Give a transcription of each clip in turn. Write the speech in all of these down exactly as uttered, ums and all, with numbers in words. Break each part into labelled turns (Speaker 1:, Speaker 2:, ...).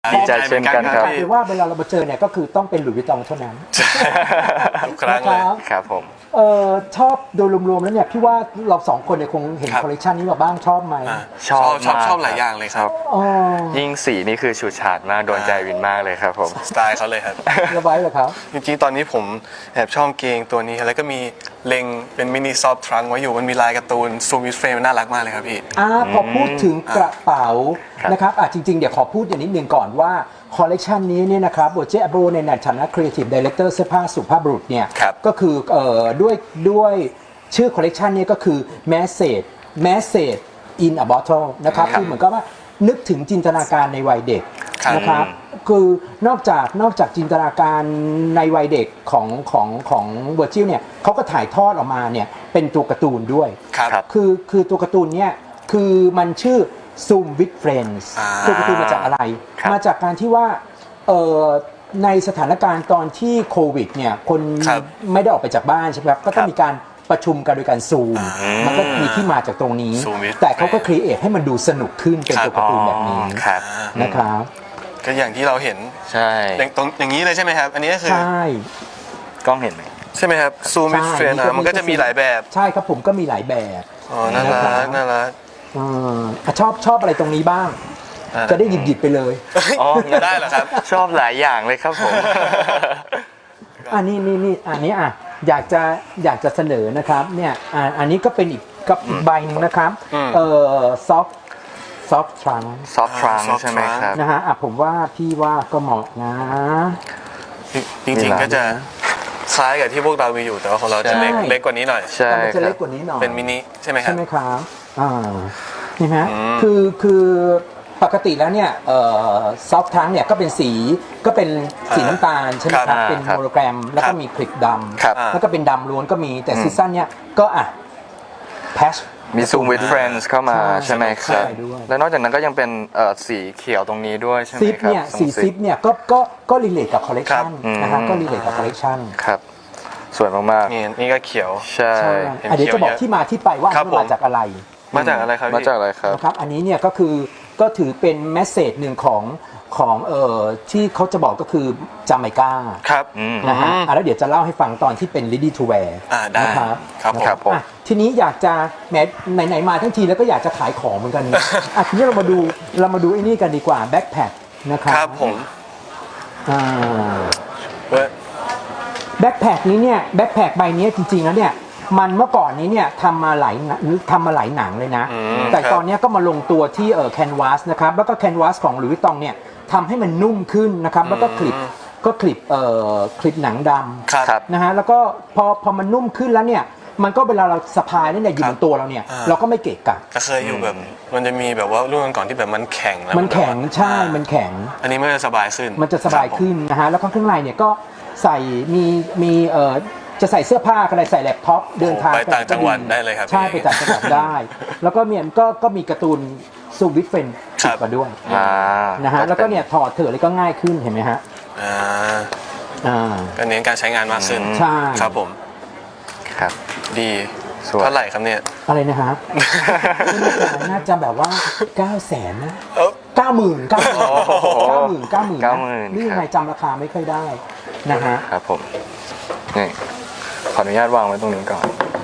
Speaker 1: ดีใจเช่นกันครับ
Speaker 2: คือว่าเวลาเรามาเจอเนี่ยก็คือต้องเป็นหลุยส์วิตตองเท่านั้น
Speaker 3: ทุกครั้งเลย
Speaker 1: ครับผม
Speaker 2: เออชอบโดยรวมๆแล้วเนี่ยพี่ว่าเราสองคนเนี่ยคงเห็น
Speaker 3: ครับ
Speaker 2: คอลเลกชันนี้มาบ้างชอบไหม
Speaker 3: อ่า
Speaker 1: ชอบ
Speaker 3: ชอบ
Speaker 1: มาก
Speaker 3: ชอบหลายอย่างเลยครับ
Speaker 2: อ๋อ
Speaker 1: ยิ่งสีนี่คือฉูดฉาดมากโดนใจวินมากเลยครับผม
Speaker 3: สไตล์เขาเลยครับ
Speaker 2: ระไว้เหรอครับ
Speaker 3: จริงๆ ตอนนี้ผมแอบชอบเกงตัวนี้ แล้วก็มีเล็งเป็นมินิซอฟทรังไว้อยู่ มันมีลายการ์ตูนซูมิสเฟรมน่ารักมากเลยครับพี่
Speaker 2: อ่าพอพูดถึงกระเป๋า
Speaker 1: ครับ
Speaker 2: นะครับอ่ะจริงๆ เดี๋ยวขอพูดอย่างนิดนึงก่อนว่าคอลเลกชันนี้เนี่ยนะครับโบเจอโบในฐานะครีเอทีฟดีเลกเตอร์เสื้อผ้าสุภาพบุรุษเนี่ย
Speaker 3: ครับ
Speaker 2: ก็คือเอ่อด้วยด้วยชื่อคอลเลกชันนี้ก็คือ message message in a bottle นะครับ
Speaker 1: ครับ
Speaker 2: คือเหมือนกับว่านึกถึงจินตนาการในวัยเด็ก
Speaker 3: ครับ
Speaker 2: นะครับคือนอกจากนอกจากจินตนาการในวัยเด็กของของของเวอร์จิลเนี่ยเขาก็ถ่ายทอดออกมาเนี่ยเป็นตัวการ์ตูนด้วย
Speaker 3: ครับ
Speaker 1: ครับ
Speaker 2: คือคือตัวการ์ตูนเนี่ยคือมันชื่อ Zoom with Friends
Speaker 3: อ่า
Speaker 2: ตัวการ์ตูนมาจากอะไร
Speaker 1: ครับ
Speaker 2: มาจากการที่ว่าเอ่อในสถานการณ์ตอนที่โควิดเนี่ยคน
Speaker 3: ครับ
Speaker 2: ไม่ได้ออกไปจากบ้านใช่ไหมครับก็ต้องมีการประชุมกันโดยการซูม
Speaker 3: อ่ามั
Speaker 2: มันก็มีที่มาจากตรงนี้
Speaker 3: Zoom with
Speaker 2: แต่เขาก็
Speaker 3: Friends
Speaker 2: ครีเอทให้มันดูสนุกขึ้นเป็นตัวการ์ตูนแบบนี้
Speaker 1: อ๋อครับ
Speaker 2: นะครับ
Speaker 3: ก็อย่างที่เราเห็น
Speaker 1: ใช่
Speaker 3: อย่างตรงอย่างนี้เลยใช่ไหมครับ อันนี้ก็คือ
Speaker 2: ใช่
Speaker 1: กล้องเห็นไหม
Speaker 3: ใช่ไหมครับซูมิสเฟรมมันก็จะมีหลายแบบ
Speaker 2: ใช่ครับผมก็มีหลายแบบ
Speaker 3: อ๋อ น่ารัก น่ารัก
Speaker 2: อ่าอ่ะชอบชอบอะไรตรงนี้บ้าง
Speaker 3: อ่า
Speaker 2: จะได้หยิบหยิบไปเลย
Speaker 1: อ๋อ
Speaker 3: ได้เหรอครับ
Speaker 1: ชอบหลายอย่างเลยครับผม
Speaker 2: อันนี้นี่นี่อันนี้อ่ะอยากจะอยากจะเสนอนะครับเนี่ยอ่าอันนี้ก็เป็นอีกกับอีกใบหนึงนะครับ
Speaker 3: อืม
Speaker 2: เอ่อซอฟซอฟทรัง
Speaker 1: ซอฟทรัง
Speaker 3: soft
Speaker 1: ใช่ไหมครับ
Speaker 2: นะฮะอ่ะผมว่าพี่ว่าก็เหมาะนะ
Speaker 3: จริงๆ ก็จะคล้ายกับที่พวกเรามีอยู่ แต่ว่าของเราจะเล็ก
Speaker 2: ใช่
Speaker 3: เล็กกว่านี้หน่อย
Speaker 1: ใช่
Speaker 2: แต่มัน
Speaker 1: ค
Speaker 2: จะ
Speaker 1: รั
Speaker 2: เล็
Speaker 1: บ
Speaker 2: กกว่านี้หน่อย
Speaker 3: เป็นมินิใช่ไหมครั
Speaker 2: ใช่
Speaker 3: บ
Speaker 2: ไหมครับอ่านี่ฮะ
Speaker 3: อืม
Speaker 2: คือคือปกติแล้วเนี่ยเอ่อซอฟทรังเนี่ยก็เป็นสีก็เป็นสีน้ำตาลใช่ไหมครับ
Speaker 1: ครับ
Speaker 2: เป็น
Speaker 1: ครับ
Speaker 2: โมโนแกรมแล้ว
Speaker 3: ครั
Speaker 2: ก็
Speaker 3: บ
Speaker 2: มีคลิปด
Speaker 1: ครับ
Speaker 2: ำแล้วก็เป็นดำล้วนก็มีแต่
Speaker 1: อืม
Speaker 2: ซีซั่นเนี่ยก็อ่ะแพช
Speaker 1: มี Zoom with Friends เข้ามา
Speaker 2: ใช่
Speaker 1: ใช่ไหมครับ
Speaker 2: ใช่ด้วย
Speaker 1: แล้วนอกจากนั้นก็ยังเป็นเอ่อสีเขียวตรงนี้ด้วยใช่ไหม
Speaker 2: ซิป
Speaker 1: ครับ
Speaker 2: เนี่ย
Speaker 1: ตรง
Speaker 2: สีซิปเนี่ยก็ก็ก็รีเลทกับคอลเลกชัน
Speaker 1: ครับ
Speaker 2: นะฮะ
Speaker 1: อืม
Speaker 2: ก็รีเลทกับคอลเลกชัน
Speaker 1: ครับ สวยมาก
Speaker 3: นี่นี่ก็เขียว
Speaker 1: ๆ ใช่
Speaker 2: ใช่
Speaker 3: เห็น
Speaker 2: อ่ะเดี๋ยวจะบอก
Speaker 3: เขียวเยอะ
Speaker 2: ที่มาที่ไปว่า
Speaker 3: ครับ
Speaker 2: มันมาจากอะไร
Speaker 3: มาจากอะไรครับ
Speaker 1: มา
Speaker 3: พี่
Speaker 1: จากอะไรครับ
Speaker 2: นะครับอันนี้เนี่ยก็คือก็ถือเป็นแมสเซจหนึ่งของของเอ่อที่เขาจะบอกก็คือจาไมกา
Speaker 3: ครับ
Speaker 1: อืม
Speaker 2: นะฮะ
Speaker 3: อืม
Speaker 2: อ่ะแล้วเดี๋ยวจะเล่าให้ฟังตอนที่เป็น ready to wear
Speaker 3: อ่าได้
Speaker 2: นะครับ
Speaker 3: ครับผม
Speaker 1: ครับผม
Speaker 2: อ่ะทีนี้อยากจะแหมไหนๆมาทั้งทีแล้วก็อยากจะขายของเหมือนกันอ่ะทีนี้เรามาดูเรามาดูไอ้นี่กันดีกว่าแบ็คแพคนะครับ
Speaker 3: ครับผม
Speaker 2: อ่า
Speaker 3: เว้ย
Speaker 2: แบ็คแพคนี้เนี่ยแบ็คแพคใบนี้จริงๆแล้วเนี่ยมันเมื่อก่อนนี้เนี่ยทำมาหลายทำมาหลายหนังเลยนะ
Speaker 3: อืม
Speaker 2: แต่
Speaker 3: ครับ
Speaker 2: ตอนเนี้ยก็มาลงตัวที่เออแคนวาสนะครับแล้วก็แคนวาสของหลุยส์วิตตองเนี่ยทำให้มันนุ่มขึ้นนะครับแล้วก็คลิปก็คลิปเอ่อคลิปหนังด
Speaker 3: ครับ
Speaker 1: ครับ
Speaker 2: ำนะฮะแล้วก็พอพอมันนุ่มขึ้นแล้วเนี่ยมันก็เวลาเราสะพายแล้วเนี่ยอยู่บนตัวเราเนี่ย
Speaker 3: อ่า
Speaker 2: เราก็ไม่เกะกะ
Speaker 3: แต่เคยอยู่แบบ มันจะมีแบบว่ารุ่นก่อนๆที่แบบมันแข็งแล้ว
Speaker 2: มันแข็ง
Speaker 3: บบว่า
Speaker 2: ใช่
Speaker 3: อ่า
Speaker 2: มันแข็ง
Speaker 3: อันนี้มันจะสบายขึ้น
Speaker 2: มันจะสบายขึ้นนะฮะแล้วก็ข้างในเนี่ยก็ใส่มีมีเอ่อจะใส่เสื้อผ้าอะไรใส่แล็ปท็อปเดินทาง
Speaker 3: ไปต่างจังหวัดได้เลยครับ
Speaker 2: ใช่ไปต่างจังหวัดได้ แล้วก็เนี่ยก็ก็มีการ์ตูนซูวิทเฟน
Speaker 3: ครั
Speaker 2: ติด
Speaker 3: บ
Speaker 2: มาด้วย
Speaker 1: อ่า
Speaker 2: นะฮะแล้วก็เนี่ยถอดเถื่อะเลยก็ง่ายขึ้นเห็นไหมฮะ
Speaker 3: อ่า
Speaker 2: อ่า
Speaker 3: ก็เน้นการใช้งานมากขึ้น
Speaker 2: ใช่
Speaker 3: ครับผม
Speaker 1: ครับ
Speaker 3: ดี
Speaker 1: สวย
Speaker 3: เท่าไหร่ครับเนี่ย
Speaker 2: อะไรนะฮะไม่แน่ใจน่าจะแบบว่าเก้าแสนนะ
Speaker 3: เอ้า
Speaker 2: เก้าหมื่นเก้าหมื่น
Speaker 1: โอ้โห
Speaker 2: เก้าหมื่นเก้าหมื่น
Speaker 1: เก้าหมื่น
Speaker 2: นี่ยัง
Speaker 1: ค
Speaker 2: ไง
Speaker 1: รับ
Speaker 2: จำราคาไม่ค่อยได้นะฮะ
Speaker 1: ครับผม นี่ ขออนุญาตวางไว้ตรงนี้ก่อน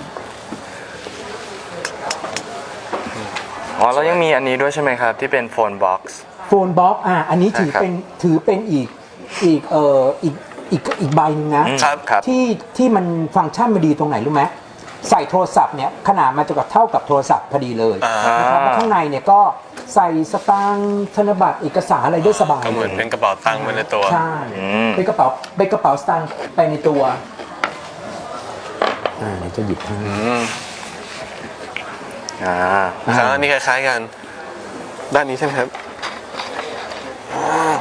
Speaker 1: อ๋อ แล้วยังมีอันนี้ด้วยใช่ไหมครับ ที่เป็นโฟนบ็อกซ์
Speaker 2: โฟนบ็อกอ่ะอันนี้ถือ
Speaker 1: ใช่ครับ
Speaker 2: เป็นถือเป็นอีกอีกเอ่ออีกอีกอีกใบหนึงนะ
Speaker 3: ครับ
Speaker 1: ครับ
Speaker 2: ที่ที่มันฟังก์ชันมันดีตรงไหนรู้ไหมใส่โทรศัพท์เนี่ยขนาดมันจะกับเท่ากับโทรศัพท์พอดีเลย
Speaker 3: อ่า
Speaker 2: นะครับแล้วข้างในเนี่ยก็ใส่สตางค์ธนบัตรเอกสารอะไรได้สบาย
Speaker 3: ก็เหมือนเป็นกระเป๋าตังค์ไปในตัว
Speaker 2: ใช่
Speaker 1: อืม
Speaker 2: เป็นกระเป๋าเป็นกระเป๋าสตางค์ไปในตัวอ่าเดี๋ยวจะหยิบให้
Speaker 3: อืม
Speaker 1: อ่า
Speaker 3: ครับอันนี้คล้ายๆกัน ด้านนี้ใช่ไหมครับอ่า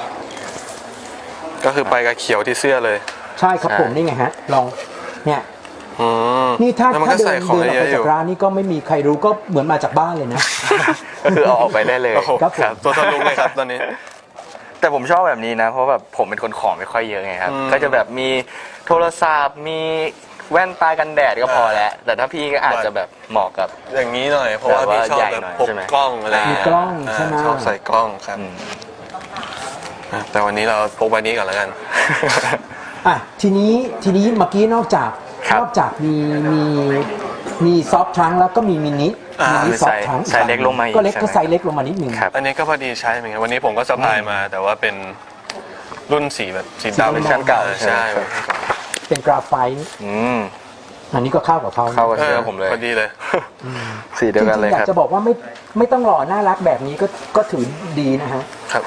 Speaker 3: ก็คือไปกับเขียวที่เสื้อเลย
Speaker 2: ใช่ครับ
Speaker 1: ใช่
Speaker 2: ผมนี่ไงฮะลองเนี่ย
Speaker 3: อืม
Speaker 2: นี่ถ้า
Speaker 3: แล้วมัน
Speaker 2: ถ้า
Speaker 3: ก็
Speaker 2: เดิ
Speaker 3: ใส่
Speaker 2: น
Speaker 3: ของ
Speaker 2: เดินออก
Speaker 3: เย
Speaker 2: ไป
Speaker 3: อะอ
Speaker 2: จาก
Speaker 3: ยู่
Speaker 2: ร้านนี่ก็ไม่มีใครรู้ก็เหมือนมาจากบ้านเลยนะ
Speaker 1: ก็คือเอาออกไปได้เลย
Speaker 3: โอ้โห
Speaker 2: ครับผม
Speaker 3: ตัวทะลุเลยครับตอนนี้
Speaker 1: แต่ผมชอบแบบนี้นะ เพราะแบบผมเป็นคนของไม่ค่อยเยอะไงครับ
Speaker 3: อืม
Speaker 1: ก็จะแบบมีโทรศัพท์ มีแว่นตากันแดดก็พอแล้ว แต่ถ้าพี่ก็อาจจะแบบเหมาะกับ
Speaker 3: อย่างนี้หน่อย เพราะว่า
Speaker 1: แบบว่า
Speaker 3: พี่ชอบ
Speaker 1: ใหญ่
Speaker 3: แบบ
Speaker 1: หน่อย
Speaker 3: พก
Speaker 1: ใช่ไหม
Speaker 3: กล้องอะไร
Speaker 2: มีกล้องใช่ไหม
Speaker 3: าชอบใส่กล้องครับ
Speaker 1: อืม
Speaker 3: แต่วันนี้เราพกใบนี้ก่อนแล้วกัน
Speaker 2: อ่ะทีนี้ทีนี้เมื่อกี้นอกจาก
Speaker 1: ครับ
Speaker 2: นอกจากมีมีมีซอฟทรังแล้วก็มีมินิ
Speaker 3: อ่า
Speaker 2: มินิซอฟทรัง
Speaker 1: ไซส์เล็กลงมาอีก
Speaker 2: ก็เล็ก
Speaker 1: ใช่ไหม
Speaker 2: ก็ไซส์เล็กลงมานิดนึง
Speaker 1: ครับ
Speaker 3: อันนี้ก็พอดีใช้เหมือนกันวันนี้ผมก็สะพายมา แต่ว่าเป็นรุ่นสีแบบสีดำ
Speaker 2: สีดำ
Speaker 3: เป็นชั้นเก่า
Speaker 1: ใช่
Speaker 3: ใช่
Speaker 1: ครับ
Speaker 2: เป็นกราไฟต์
Speaker 1: อืม
Speaker 2: อันนี้ก็เข้ากับเขานะ
Speaker 1: เข้ากับเสื้อผมเลย
Speaker 3: พอดีเลย
Speaker 1: สีเดียวกันเลย
Speaker 2: จริงๆอยา
Speaker 1: ครับ
Speaker 2: กจะบอกว่าไม่ไม่ต้องหล่อน่ารักแบบนี้ก็ก็ถือดีนะฮะ
Speaker 3: ครับ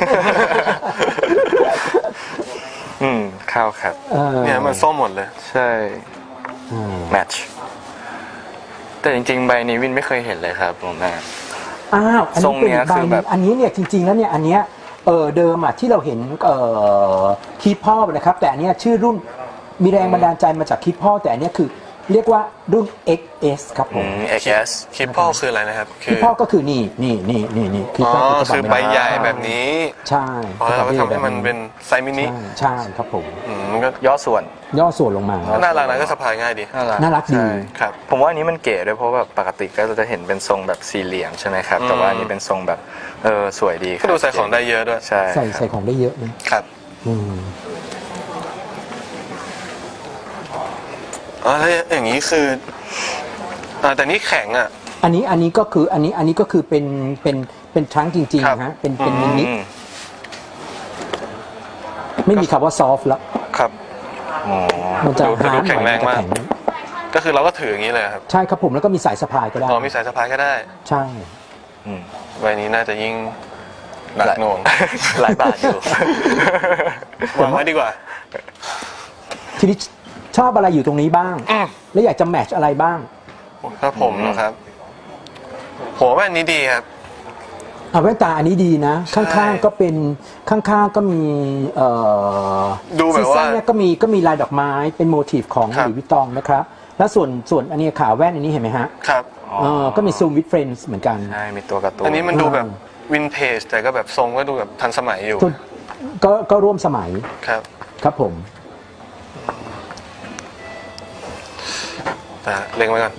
Speaker 1: อืมเข้าครับ
Speaker 2: เออ
Speaker 3: เนี่ยมันส้มหมดเลย
Speaker 1: ใช่
Speaker 2: อืม
Speaker 1: แมทช์แต่จริงๆ ใบนี้วินไม่เคยเห็นเลยครับผมแม่
Speaker 2: อ้าวอัน
Speaker 1: ทร
Speaker 2: นี้
Speaker 1: ง
Speaker 2: เป็น
Speaker 1: เนี้
Speaker 2: อี
Speaker 1: ย
Speaker 2: กใบ
Speaker 1: คือ
Speaker 2: ห
Speaker 1: แบ
Speaker 2: นึ
Speaker 1: บ
Speaker 2: งอันนี้เนี่ยจริงๆแล้วเนี่ยอันเนี้ยเออเดิมอ่ะที่เราเห็นเอ่อคีพอนะครับแต่อันเนี้ยชื่อรุ่นมีแรงบันดาลใจมาจากคีพอแต่อันเนี้ยคือเรียกว่ารุ่น เอ็กซ์ เอส ครับผ
Speaker 1: อื
Speaker 2: ม
Speaker 1: ม เอ็กซ์ เอส
Speaker 3: คลิปพ่อคืออะไรนะครับ คื
Speaker 2: คีพอก็คือนี่นี่นี่นี่นี่คี
Speaker 3: อ๋อ
Speaker 2: พอ
Speaker 3: คือใบใหญ่แบบนี้
Speaker 2: ใช่
Speaker 3: อ๋อแล้วเราก็ทำให้มันเป็นไซส์มินิ
Speaker 2: ใช่ใช่ครับผม
Speaker 3: อืมมันก็
Speaker 1: ย่อส่วน
Speaker 2: ย่อส่วนลงมา
Speaker 3: น่ารักนะก็สะพายง่ายดี
Speaker 1: น่ารัก
Speaker 2: น่ารักดี
Speaker 1: ใช่
Speaker 3: ครับ
Speaker 1: ผมว่าอันนี้มันเก๋ด้วยเพราะแบบปกติก็จะเห็นเป็นทรงแบบสี่เหลี่ยมใช่ไหมครับ แต่ว่าอันนี้เป็นทรงแบบเออสวยดีค
Speaker 3: ก็
Speaker 1: รับ
Speaker 3: ดูใส่ของได้เยอะด้วย
Speaker 1: ใช่
Speaker 2: ใส่
Speaker 1: ครับ
Speaker 2: ใส่ของได้เยอะนะครับ อืม
Speaker 3: อ๋อแล้วอย่างนี้คืออ่าแต่นี่แข็งอ่ะ
Speaker 2: อันนี้อันนี้ก็คืออันนี้อันนี้ก็คือเป็นเป็นเป็นทรังจริง
Speaker 3: ครับ
Speaker 2: ๆฮะเป็นเป็นมินิ
Speaker 1: อืม
Speaker 2: ไม่มีคำว่าซอฟต์แล้ว
Speaker 3: ครับ
Speaker 1: อ๋อ
Speaker 2: มันจะ
Speaker 3: ดู
Speaker 2: ฮาร์ด
Speaker 3: ดูแข็
Speaker 2: หน่อง ย
Speaker 3: แร
Speaker 2: มันจะ
Speaker 3: งมาก
Speaker 2: แข็ง
Speaker 3: ก็คือเราก็ถืออย่างนี้เลยครับ
Speaker 2: ใช่ครับผมแล้วก็มีสายสะพายก็ได้
Speaker 3: อ๋อมีสายสะพายก็ได้
Speaker 2: ใช่
Speaker 1: อืม
Speaker 3: ใบนี้น่าจะยิ่งหนักหน่วง
Speaker 1: หลายบาทอยู่
Speaker 3: วางไว้ดีกว่า
Speaker 2: ทีนี้ชอบอะไรอยู่ตรงนี้บ้าง
Speaker 3: อืม
Speaker 2: แล้วอยากจะแมทช์อะไรบ้าง
Speaker 3: ถ้าผมนะครับผมว่าอันนี้ดีครับ
Speaker 2: อ่ะแว่นตาอันนี้ดีนะ
Speaker 3: ใช่
Speaker 2: ข้างๆก็เป็นข้างๆก็มีเอ่อ
Speaker 3: ดูแบบว่า
Speaker 2: ซีซั่นเนี่ยก็มีก็มีลายดอกไม้เป็นโมทีฟของ
Speaker 3: ครับ
Speaker 2: หลุยส์วิตตองนะครับแล้วส่วนส่วนอันนี้ขาแว่นอันนี้เห็นไหมฮะ
Speaker 3: ครับ
Speaker 1: อ๋อ
Speaker 2: เออก็มีซูมวิดเฟรนส์เหมือนกัน
Speaker 1: ใช่ มีตัวการ์ตูน
Speaker 3: อันนี้มันดู
Speaker 2: อ่า
Speaker 3: แบบวินเทจแต่ก็แบบทรงก็ดูแบบทันสมัยอยู่
Speaker 2: ส่วนก็ก็ร่วมสมัย
Speaker 3: ครับ
Speaker 2: ครับผม
Speaker 3: แต่เล็งไว้ก่อน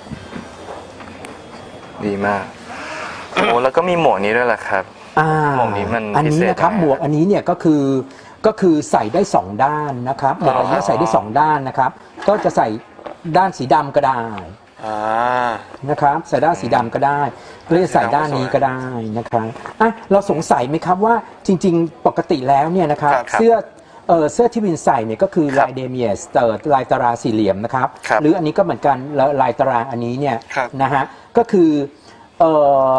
Speaker 1: ดีมาก โอ้แล้วก็มีหมวกนี้ด้วยแหละครับ
Speaker 2: อ่า
Speaker 1: หมวกนี้มัน
Speaker 2: อันนี้
Speaker 1: พิเศษ
Speaker 2: นะครับ
Speaker 1: ยังไง
Speaker 2: หมวกอันนี้เนี่ยก็คือก็คือใส่ได้สองด้านนะครับหมวกอันนี้ใส่ได้สองด้านนะครับ ก็จะใส่ด้านสีดำก็ได้
Speaker 3: อ่า
Speaker 2: นะครับใส่ด้านสีดำก็ได้หรือจะใส่ด้านนี้ก็ได้นะครับอ่ะเราสงสัยไหมครับว่าจริง ๆ ปกติแล้วเนี่ยนะครับ
Speaker 3: ครับครับ
Speaker 2: เสื้อเออเสื้อที่วินใส่เนี่ยก็คือ
Speaker 1: ครับ
Speaker 2: ลายเดเมียสเตอร์ลายตารางสี่เหลี่ยมนะครับ
Speaker 1: ครับ
Speaker 2: หรืออันนี้ก็เหมือนกันแล้วลายตารางอันนี้เนี่ย
Speaker 3: ครับ
Speaker 2: นะฮะก็คือเออ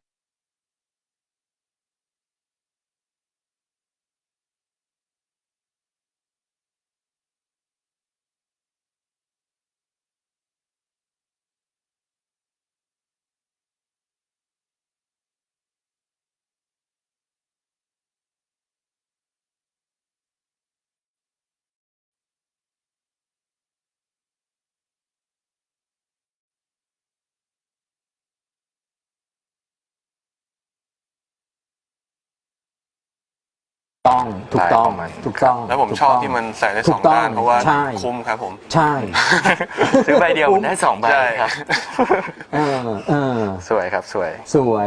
Speaker 2: ต้องถูกต้อง
Speaker 1: ลายของมัน
Speaker 2: ถูกต้อง
Speaker 3: แล้วผม
Speaker 2: ถูก
Speaker 3: ชอบ
Speaker 2: ต้ง
Speaker 3: ที่มันใส่ได้
Speaker 2: ถู
Speaker 3: สอก ง
Speaker 2: ต้
Speaker 3: ด้านเพราะว่า
Speaker 2: ใช่
Speaker 3: คุ้มครับผม
Speaker 2: ใช่
Speaker 1: ซื้อใบเดียวมันได้สองใบ
Speaker 3: ใช่
Speaker 1: ครับ
Speaker 2: เออเออ
Speaker 1: สวยครับสวย
Speaker 2: สวย